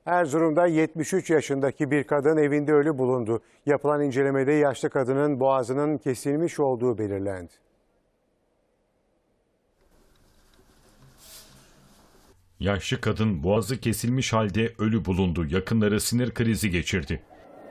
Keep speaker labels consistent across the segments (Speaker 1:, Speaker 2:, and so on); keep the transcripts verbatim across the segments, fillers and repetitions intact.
Speaker 1: Erzurum'da yetmiş üç yaşındaki bir kadın evinde ölü bulundu. Yapılan incelemede yaşlı kadının boğazının kesilmiş olduğu belirlendi.
Speaker 2: Yaşlı kadın boğazı kesilmiş halde ölü bulundu. Yakınları sinir krizi geçirdi.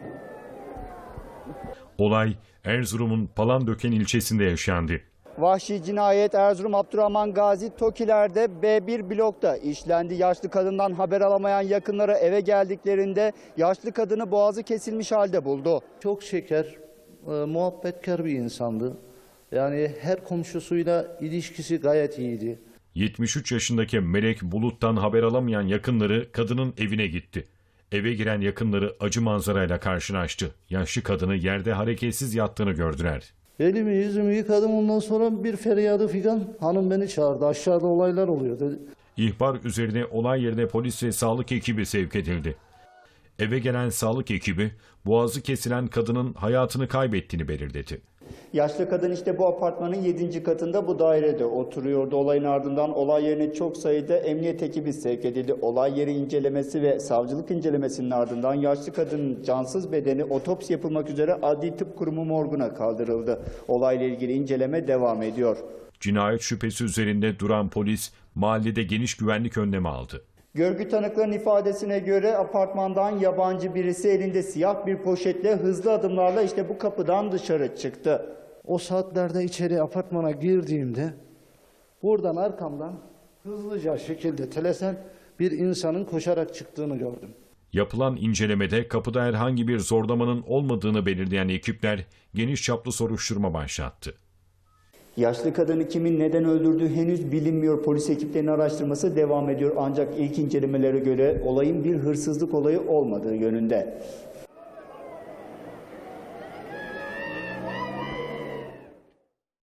Speaker 2: Olay Erzurum'un Palandöken ilçesinde yaşandı.
Speaker 3: Vahşi cinayet Erzurum Abdurrahman Gazi Tokiler'de B bir blokta işlendi. Yaşlı kadından haber alamayan yakınları eve geldiklerinde yaşlı kadını boğazı kesilmiş halde buldu.
Speaker 4: Çok şeker, e, muhabbetkar bir insandı. Yani her komşusuyla ilişkisi gayet iyiydi.
Speaker 2: yetmiş üç yaşındaki Melek Bulut'tan haber alamayan yakınları kadının evine gitti. Eve giren yakınları acı manzarayla karşılaştı. Yaşlı kadını yerde hareketsiz yattığını gördüler.
Speaker 4: Elimi yüzümü yıkadım, ondan sonra bir feryadı figan. Hanım beni çağırdı, aşağıda olaylar oluyor dedi.
Speaker 2: İhbar üzerine olay yerine polis ve sağlık ekibi sevk edildi. Eve gelen sağlık ekibi boğazı kesilen kadının hayatını kaybettiğini belirledi.
Speaker 3: Yaşlı kadın işte bu apartmanın yedinci katında bu dairede oturuyordu. Olayın ardından olay yerine çok sayıda emniyet ekibi sevk edildi. Olay yeri incelemesi ve savcılık incelemesinin ardından yaşlı kadının cansız bedeni otopsi yapılmak üzere Adli Tıp Kurumu morguna kaldırıldı. Olayla ilgili inceleme devam ediyor.
Speaker 2: Cinayet şüphesi üzerinde duran polis mahallede geniş güvenlik önlemi aldı.
Speaker 3: Görgü tanıkların ifadesine göre apartmandan yabancı birisi elinde siyah bir poşetle hızlı adımlarla işte bu kapıdan dışarı çıktı.
Speaker 4: O saatlerde içeri apartmana girdiğimde buradan arkamdan hızlıca şekilde telesen bir insanın koşarak çıktığını gördüm.
Speaker 2: Yapılan incelemede kapıda herhangi bir zorlamanın olmadığını belirleyen ekipler geniş çaplı soruşturma başlattı.
Speaker 3: Yaşlı kadını kimin neden öldürdüğü henüz bilinmiyor. Polis ekiplerinin araştırması devam ediyor. Ancak ilk incelemelere göre olayın bir hırsızlık olayı olmadığı yönünde.